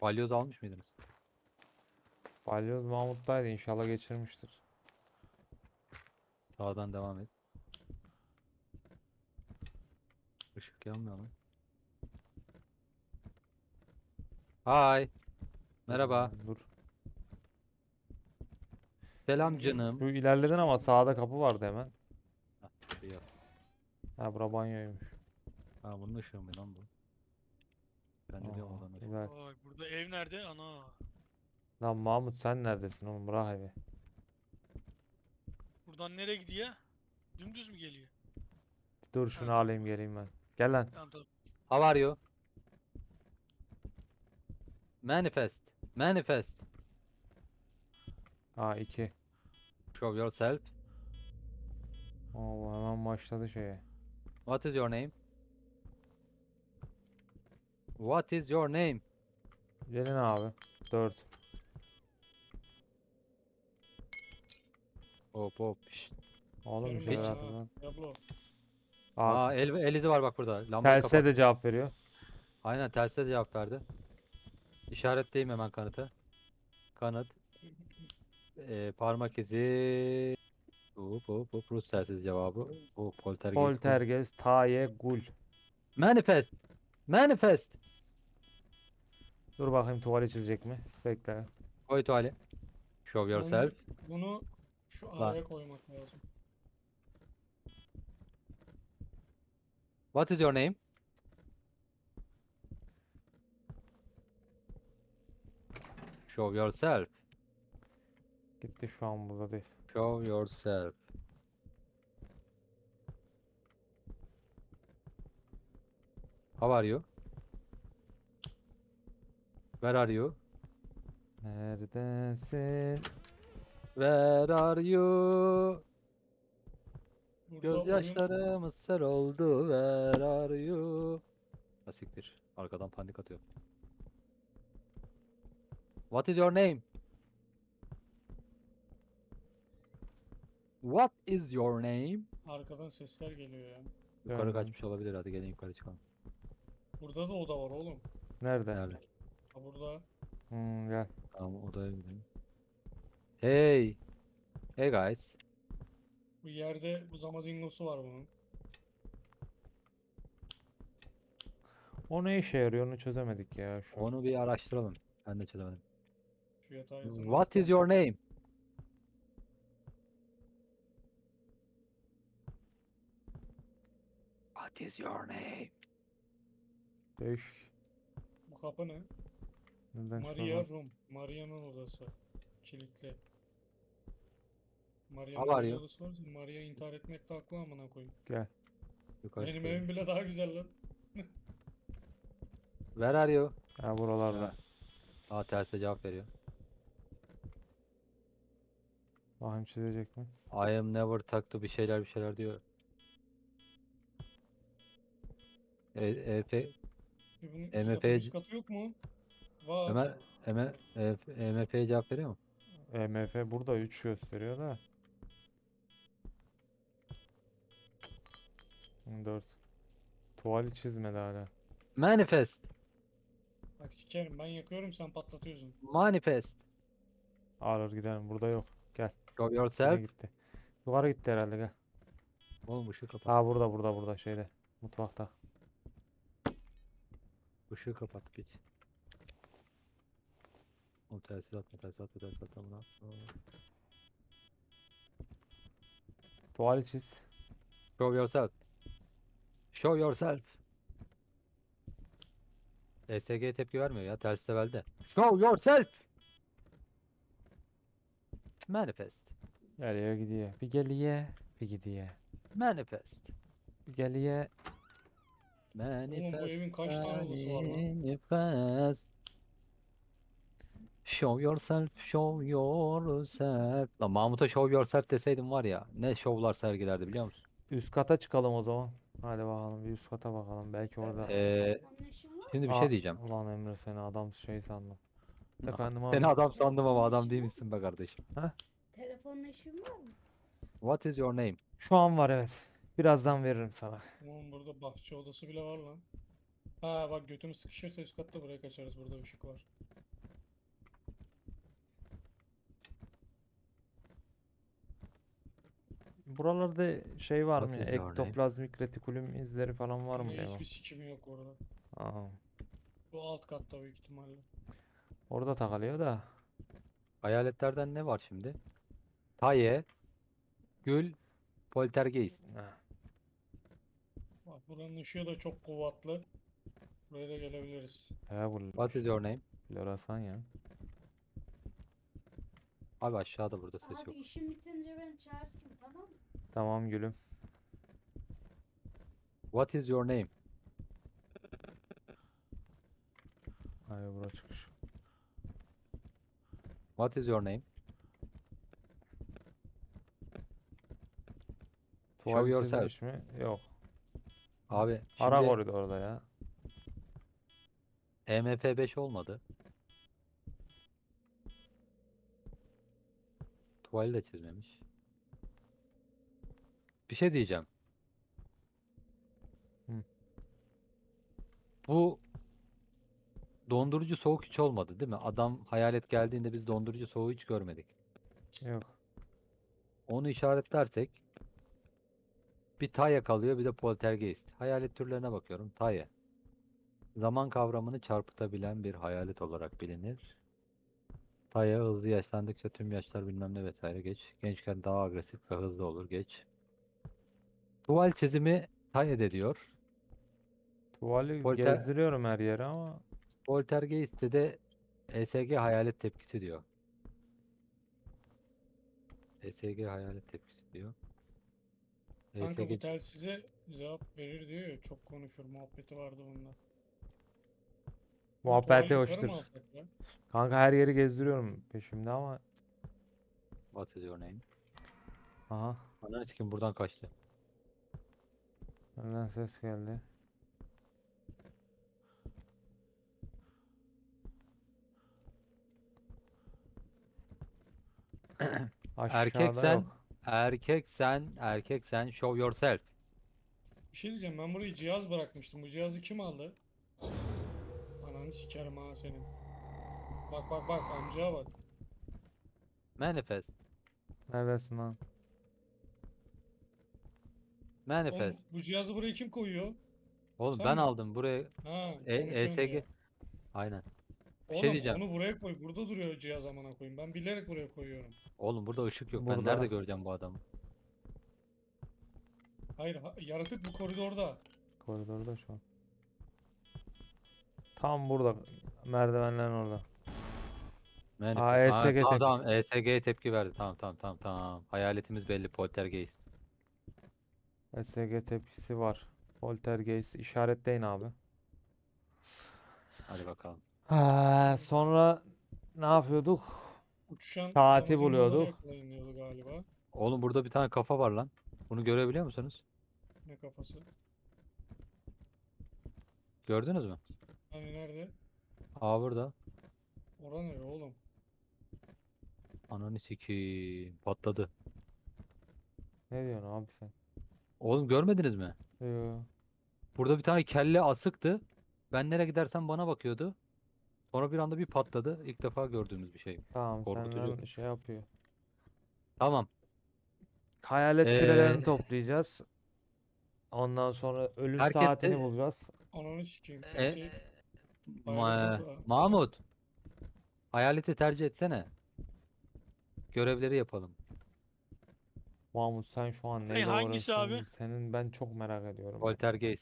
Balyoz almış mıydınız? Balyoz Mahmut'taydı, inşallah geçirmiştir. Sağdan devam et. Işık yanmıyor lan. Hay. Merhaba. Dur. Selam canım. Şu ilerledin ama sağda kapı vardı hemen. Hah, şey yap. Ha, bura banyoymuş. Ha bunun ışığı mı lan bu? Ben de diyorum Aa, odanın ışığı. güzel. Vay burada ev nerede? Ana. Lan Mahmut, sen neredesin oğlum? Bırak evi. Buradan nereye gidiyor? Dümdüz mü geliyor? Dur, Ha, şunu tamam. alayım geleyim ben. Gel lan. Tamam tamam. How are you? Manifest. Manifest. Ha, 2. Show yourself. Oo, hemen başladı şeye. What is your name? What is your name? Gelin abi. 4. Hop hop. Şşt. Oğlum bir Kerim şeyler Peki. atın lan. Diablo. Aa, El izi var bak burada. Lambayı telse kapat. de cevap veriyor. Aynen telsizle de cevap verdi. İşaretleyeyim hemen kanıtı. Kanıt. Parmak izi. Hop Rus telsiz cevabı. Bu poltergeist. Poltergeist, Taye, Gul. Manifest. Manifest. Dur bakayım, tuvali çizecek mi? Bekle. Koy tuvali. Show Önce yourself. bunu şu Lan. araya koymak lazım. What is your name? Show yourself. Gitti, şu an burada değil. Show yourself. How are you? Where are you? Neredesin? Where are you? Burada oyun Gözyaşlarımız sel oldu. Where are you? Asiktir. Arkadan panik atıyor. What is your name? What is your name? arkadan sesler geliyor ya. Yukarı Döndüm. kaçmış olabilir. Hadi gelin yukarı çıkalım. Burada da oda var oğlum. Nerede? Nerede? Ha burada. Gel. Tamam odaya gidelim. Hey. Hey guys. Bu yerde bu zamazingosu var bunun. O ne işe yarıyor, onu çözemedik ya şu. Onu bir araştıralım. Ben de çözemedim. Şu yatağı yazın. What is your name? What is your name? Değişik. Bu kapı ne? Neden Maria çıkardın? Room. Maria'nın odası. Kilitli. How are Maria'nın you? odası varsa Maria intihar etmekte haklı amına koyayım. Gel. Yukarı Benim çıkalım. evim bile daha güzel lan. Where are you? Ha, buralarda. Aa terse cevap veriyor. Bakayım çizecek mi? I am never taktı bir şeyler diyor. Bunun üst MF katı üst katı yok mu? Var. MF'ye cevap veriyor mu? EMF burada 3 gösteriyor da. 4. Tuvali çizmedi hala. Manifest. Bak sikerim ben yakıyorum sen patlatıyorsun. Manifest. Ağır gidelim, burada yok. Gel. Show Nereye yourself. gitti? Yukarı gitti herhalde, gel. Oğlum ışığı kapat. Ha, burada şeyde. Mutfakta. Işığı kapat geç. Oğlum telsiz atma buna. Tuvali çiz. Show yourself. Show yourself. ESG tepki vermiyor ya. Telsiz evvelde. Show yourself. Manifest. Geliyor gidiyor. Bir geliyor. Bir gidiyor. Manifest. Bir geliyor. Manifest. bu evin kaç tane odası var lan? Manifest. Show yourself, show yourself. Lan Mahmut'a show yourself deseydim var ya ne şovlar sergilerdi biliyor musun? Üst kata çıkalım o zaman. Hadi bakalım, bir üst kata bakalım. Belki orada. Şimdi bir Aa, şey diyeceğim. Ulan Emre, seni adam şey sandım. Efendim Seni abi. adam sandım ama adam değil misin be kardeşim? Telefonla işin var mı? What is your name? Şu an var, evet. Birazdan veririm sana. Oğlum burada bahçe odası bile var lan. Ha bak götümü sıkışırsa üst katta buraya kaçarız burada ışık var. Buralarda şey var mı What ya? is your name? Ektoplazmik retikulum izleri falan var mı Yine Eva? hiçbir sikimi yok orada. Aa, Bu alt katta büyük ihtimalle. orada takılıyor da. Hayaletlerden ne var şimdi? Taye, Gül, Poltergeist. Heh, Bak buranın ışığı da çok kuvvetli. Buraya da gelebiliriz. bu What is your name? Florasan ya. Abi aşağıda, burada ses Abi yok. işin bitince beni çağırsın, tamam mı? Tamam gülüm. What is your name? Hayır bura çıkış. What is your name? Show Tuval yourself. çizilmiş mi? Yok. Abi Ara şimdi koridorda ya. EMF5 olmadı. Tuvali de çizmemiş. Bir şey diyeceğim. Hı. Bu dondurucu soğuk hiç olmadı değil mi? Adam hayalet geldiğinde biz dondurucu soğuğu hiç görmedik. Yok. Onu işaretlersek bir Taya kalıyor, bir de Poltergeist. Hayalet türlerine bakıyorum. Taya. Zaman kavramını çarpıtabilen bir hayalet olarak bilinir. Taya hızlı yaşlandıkça tüm yaşlar bilmem ne vesaire geç. Gençken daha agresif ve hızlı olur geç. Tuval çizimi Taya diyor. Tuvali Polter gezdiriyorum her yere ama Poltergeist'te de ESG hayalet tepkisi diyor. ESG hayalet tepkisi diyor. Kanka bu ESG telsize cevap verir diyor ya, çok konuşur muhabbeti vardı bunda. Bu muhabbeti tuvali yukarı hoştur. mı alsak ya? Kanka her yeri gezdiriyorum peşimde ama. What is your name? Aha. Ananı sikim, buradan kaçtı. Nereden ses geldi? Erkek Aşağıda sen, yok. erkek sen show yourself. Bir şey diyeceğim, ben buraya cihaz bırakmıştım. Bu cihazı kim aldı? Ananı sikerim ha senin. Bak bak bak, amcaya bak. Manifest. Neredesin lan? Oğlum, Manifest. bu cihazı buraya kim koyuyor? Oğlum Sen ben mi? aldım buraya. Ha, konuşuyorsun ESG. diye. Aynen. Bir şey Oğlum diyeceğim. onu buraya koy. Burada duruyor cihaz, amına koyayım. Ben bilerek buraya koyuyorum. Oğlum burada ışık yok. Ben Burada. nerede göreceğim bu adamı? Hayır, yaratık bu koridorda. Koridorda şu an. Tam burada. Merdivenlerin orada. Manifest. Aa, ESG tamam tepkisi. tamam. ESG'ye tepki verdi. Tamam. Hayaletimiz belli. Poltergeist. SG tepkisi var. Poltergeist işaretleyin abi. Hadi bakalım. Sonra ne yapıyorduk? Uçuşan Saati zımbaları buluyorduk. yakalayın diyordu galiba. Oğlum burada bir tane kafa var lan. Bunu görebiliyor musunuz? Ne kafası? Gördünüz mü? Hani nerede? Aa burada. Ora nere oğlum? Ananı sikeyim. Patladı. Ne diyorsun abi sen? Oğlum görmediniz mi? Yo. Burada bir tane kelle asıktı. Ben nereye gidersem bana bakıyordu. Sonra bir anda bir patladı. İlk defa gördüğümüz bir şey. Tamam Korkutucu. senden şey yapıyor. Tamam. Hayalet kürelerini Ee, toplayacağız. Ondan sonra ölüm herkes saatini de bulacağız. Ananı sikeyim. e, Her şey bayrak burada. Mahmut. Hayaleti tercih etsene. Görevleri yapalım. Mahmut sen şu an Hey, neyle hangisi abi? uğraşıyorsun? Senin ben çok merak ediyorum. Poltergeist.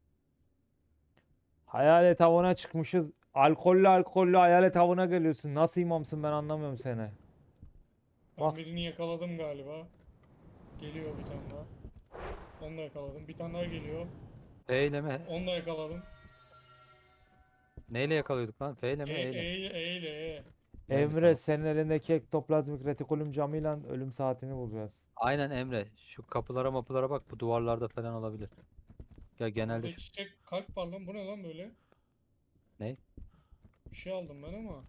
Hayalet avına çıkmışız. Alkollü hayalet avına geliyorsun. Nasıl imamsın ben anlamıyorum seni. Ben Bak. birini yakaladım galiba. Geliyor bir tane daha. Onu da yakaladım. Bir tane daha geliyor. F ile mi? Onu da yakaladım. Neyle yakalıyorduk lan? F ile mi? E, E ile. e, ile, e ile, e. Emre tamam. senin elindeki ektoplazmik retikulum camıyla ölüm saatini bulacağız. Aynen Emre. Şu kapılara mapılara bak. Bu duvarlarda falan olabilir. Ya genelde Burada şu... çiçek kalp var lan. Bu ne lan böyle? Ne? Bir şey aldım ben ama.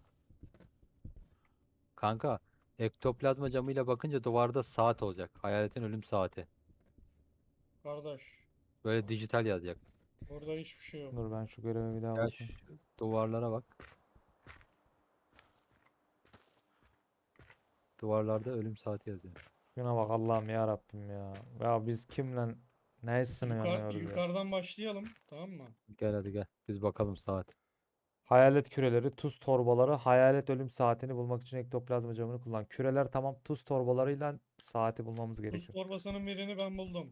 Kanka. Ektoplazma camıyla bakınca duvarda saat olacak. Hayaletin ölüm saati. Kardeş. Böyle dijital yazacak. Burada hiçbir şey yok. Dur ben şu göreve bir daha Ya bakayım. şu duvarlara bak. Duvarlarda ölüm saati yazıyor. Şuna bak Allah'ım ya Rabbim ya. Ya biz kimle ne sınıyoruz ya. Yukarıdan başlayalım, tamam mı? Gel hadi gel. Biz bakalım saat. Hayalet küreleri, tuz torbaları, hayalet ölüm saatini bulmak için ektoplazma camını kullan. Küreler tamam, tuz torbalarıyla saati bulmamız Tuz gerekiyor. torbasının birini ben buldum.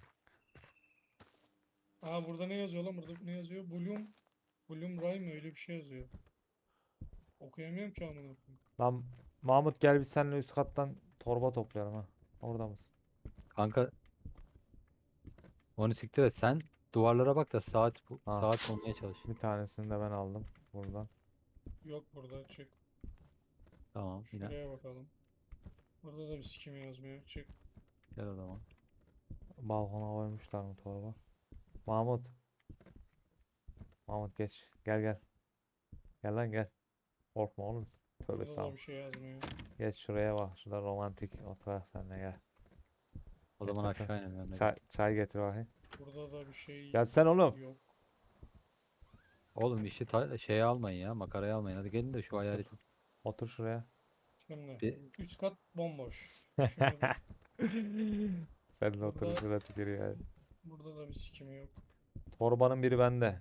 Aa, burada ne yazıyor lan? Burada ne yazıyor? Bloom Ray mı? Öyle bir şey yazıyor. Okuyamıyorum ki amına koyayım. Lan Mahmut gel biz seninle üst kattan torba toplayalım ha. Orada mısın? Kanka onu siktir et. Sen duvarlara bak da Ha. saat bulmaya çalış. Bir tanesini de ben aldım buradan. Yok burada, çık. Tamam yine Şuraya bakalım. Burada da bir sikim yazmıyor. Çık. gel o zaman. Balkona koymuşlar mı torba? Mahmut. Mahmut geç. Gel gel. Gel lan gel. Korkma oğlum. Tövbe Burada da estağfurullah. bir şey yazmıyor. Geç şuraya bak. Şurada romantik otur sen de gel. O Geç zaman otur. aşağı inelim. Çay getir bakayım. Burada da bir şey Gel sen oğlum. yok. Oğlum işi şeye almayın ya. Makaraya almayın. Hadi gelin de şu hayaleti. Otur şuraya. Şimdi Bir, üst kat bomboş. Şöyle Sen de otur Burada- şuraya tükürüyor yani. burada da bir sikim yok. Torbanın biri bende.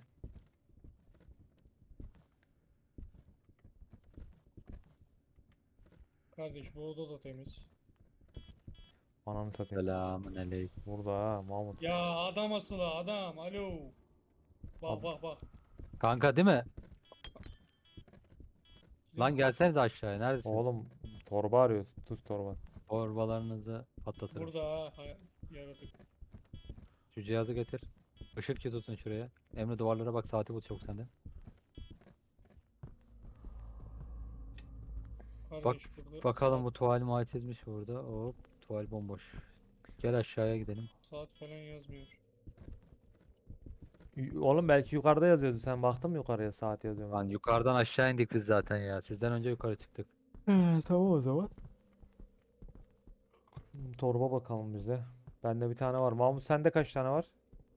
Kardeş bu oda da temiz. Ananı satayım. selamun aleyküm. Burada ha Mahmut. Ya adam asılı adam. Alo. Bak Ab- bak bak. Kanka değil mi? Bizim Lan gelseniz aşağıya. Neredesin? Oğlum torba arıyoruz. Tuz torba. Torbalarınızı patlatırım. burada ha, yaratık. Şu cihazı getir. Işık ki tutun şuraya. Emre duvarlara bak, saati bul çabuk sende. Kardeş burada Bakalım saat, bu tuval muay çizmiş burada. Hop, tuval bomboş. Gel aşağıya gidelim. saat falan yazmıyor. Oğlum belki yukarıda yazıyordu. Sen baktın mı yukarıya saat yazıyor mu? Lan yukarıdan aşağı indik biz zaten ya. Sizden önce yukarı çıktık. Tamam o zaman. Torba bakalım bize. Bende bir tane var. Mahmut sende kaç tane var?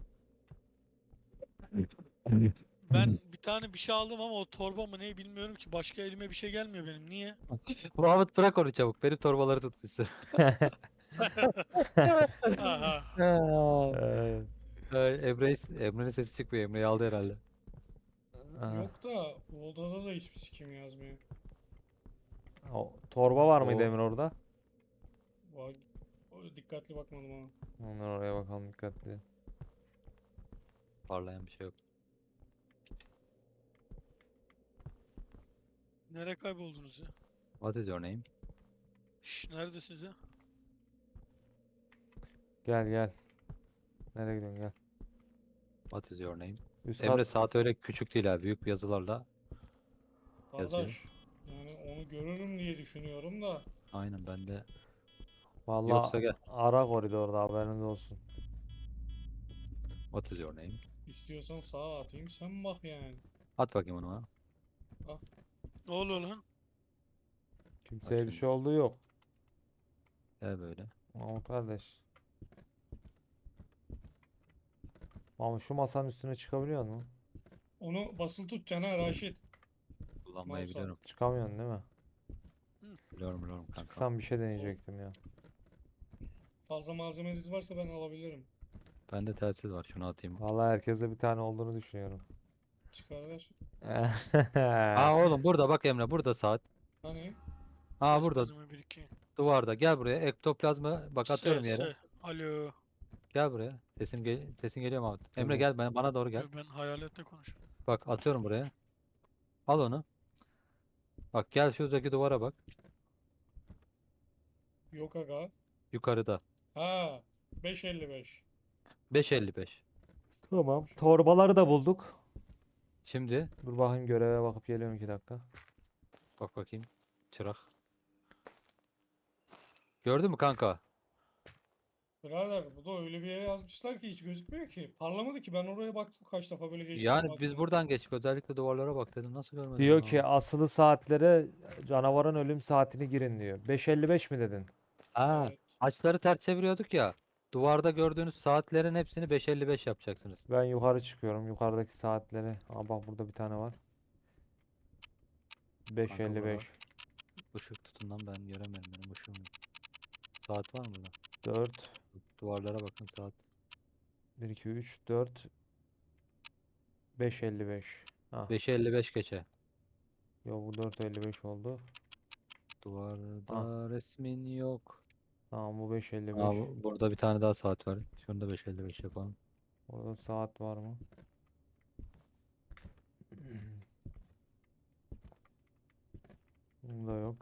Ben bir tane bir şey aldım ama o torba mı ne bilmiyorum ki. Başka elime bir şey gelmiyor benim. Niye? Muhammed bırak onu çabuk. Benim torbaları tutmuşsun. Aha. Ee, Emre'nin sesi çıkmıyor. Emre'yi aldı herhalde. aha. Yok da bu odada da hiçbir sikim yazmıyor. Torba var mıydı O- Emir orada? Bak, dikkatli bakmadım ama. Ondan oraya bakalım dikkatli. Parlayan bir şey yok. Nereye kayboldunuz ya? What is your name? Şş, neredesiniz ya? Gel gel. Nereye gidiyorsun gel. What is your name? Üst Emre kat. saat öyle küçük değil ha. Büyük yazılarla. Yazıyor. Kardeş yani onu görürüm diye düşünüyorum da. Aynen ben de. Vallahi Yoksa gel. ara koridorda haberiniz olsun. What is your name? İstiyorsan sağa atayım sen bak yani. At bakayım onu bana. Ne oluyor lan? Kimseye bir Bakayım. şey olduğu yok. Gel böyle. Mahmut kardeş. Mahmut şu masanın üstüne çıkabiliyor mu? Onu basılı tutacaksın ha Raşit. Kullanmayı Mouse biliyorum. Çıkamıyorsun değil mi? Biliyorum kanka. Çıksam bir şey deneyecektim ya. Fazla malzemeniz varsa ben alabilirim. Bende telsiz var. Şunu atayım. Vallahi herkeste bir tane olduğunu düşünüyorum. Çıkar ver. Aa oğlum burada bak Emre. Burada saat. Hani Aa Ses burada. malzeme 1-2. Duvarda. Gel buraya. Ektoplazma. Bak atıyorum Se, yere. se. Alo. Gel buraya. Sesin geliyor mu? Emre Geliyor. gel bana doğru gel. Ben hayalette konuşuyorum. Bak atıyorum buraya. Al onu. Bak gel şuradaki duvara bak. yok aga. Yukarıda. Ha 5.55. 5.55. Tamam. Torbaları da bulduk. Şimdi Dur bakayım göreve bakıp geliyorum 2 dakika. bak bakayım. Çırak. Gördün mü kanka? Birader bu da öyle bir yere yazmışlar ki hiç gözükmüyor ki. Parlamadı ki ben oraya baktım kaç defa böyle geçtim Yani baktım. biz buradan geçtik. Özellikle duvarlara bak dedim. Nasıl görmedin Diyor bunu? ki asılı saatlere canavarın ölüm saatini girin diyor. 5.55 mi dedin? Ha, Evet. açıları ters çeviriyorduk ya. Duvarda gördüğünüz saatlerin hepsini 5.55 yapacaksınız. Ben yukarı çıkıyorum. Yukarıdaki saatleri. Aa bak burada bir tane var. 5.55. Işık tutun lan, ben göremiyorum, benim ışığım yok. saat var mı burada? 4, Duvarlara bakın saat. 1, 2, 3, 4, 5.55. Ha, 5:55 geçe. yo bu 4.55 oldu. Duvarda resmin yok. Tamam bu Aa, 5.55. burada bir tane daha saat var. Şunu da 5:55 yapalım. Orada saat var mı? Bunda yok.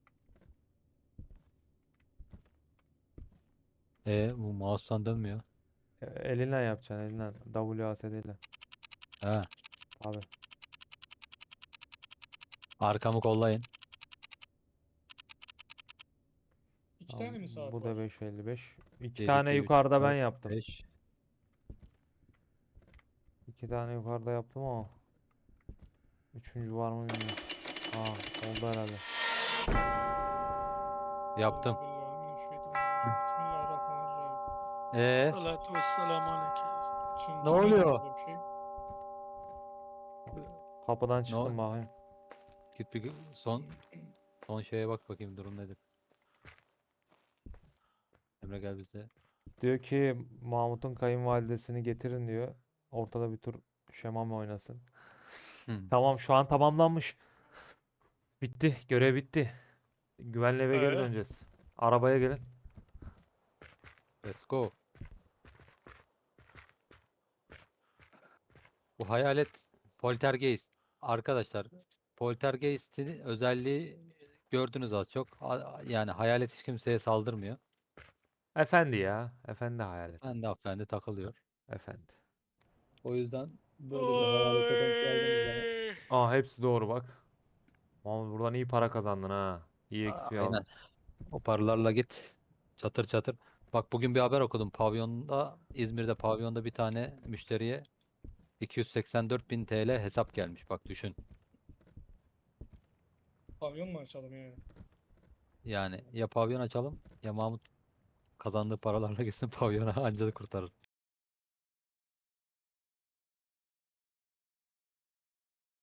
Bu mouse'tan dönmüyor. Elinle yapacaksın elinle. WASD ile. He. Abi. Arkamı kollayın. İki Tamam, tane mi saat bu da var? 5.55. 2 1, tane 2, 3, yukarıda ben 4, yaptım. 5. 2 tane yukarıda yaptım ama. Üçüncü var mı bilmiyorum. Aa, oldu herhalde. Yaptım. Euzubillahimineşşeytanirracim. Bismillahirrahmanirrahim. Salatu vesselamu aleyke. Çın Ne çın ediyor oluyor? burada bir şey. Kapıdan Ne çıktım bakayım. Git bir son şeye bak bakayım durum nedir. Emre gel bize. Diyor ki Mahmut'un kayınvalidesini getirin diyor. Ortada bir tur şemame oynasın. Tamam şu an tamamlanmış. Bitti. Görev bitti. Güvenli eve geri Ee? döneceğiz. Arabaya gelin. Let's go. Bu hayalet poltergeist. Arkadaşlar poltergeist'in özelliği gördünüz az çok. Yani hayalet hiç kimseye saldırmıyor. Efendi ya. Efendi hayalet. Ben de hanımefendi takılıyor. Efendi. O yüzden böyle bir hayalete denk geldiğimiz zaman Aa hepsi doğru bak. Mahmut buradan iyi para kazandın ha. İyi XP aynen aldın. o paralarla git çatır çatır. Bak bugün bir haber okudum. Pavyonda İzmir'de pavyonda bir tane müşteriye 284.000 TL hesap gelmiş. Bak düşün. Pavyon mu açalım yani? Yani ya pavyon açalım ya Mahmut kazandığı paralarla gitsin pavyona anca kurtarır.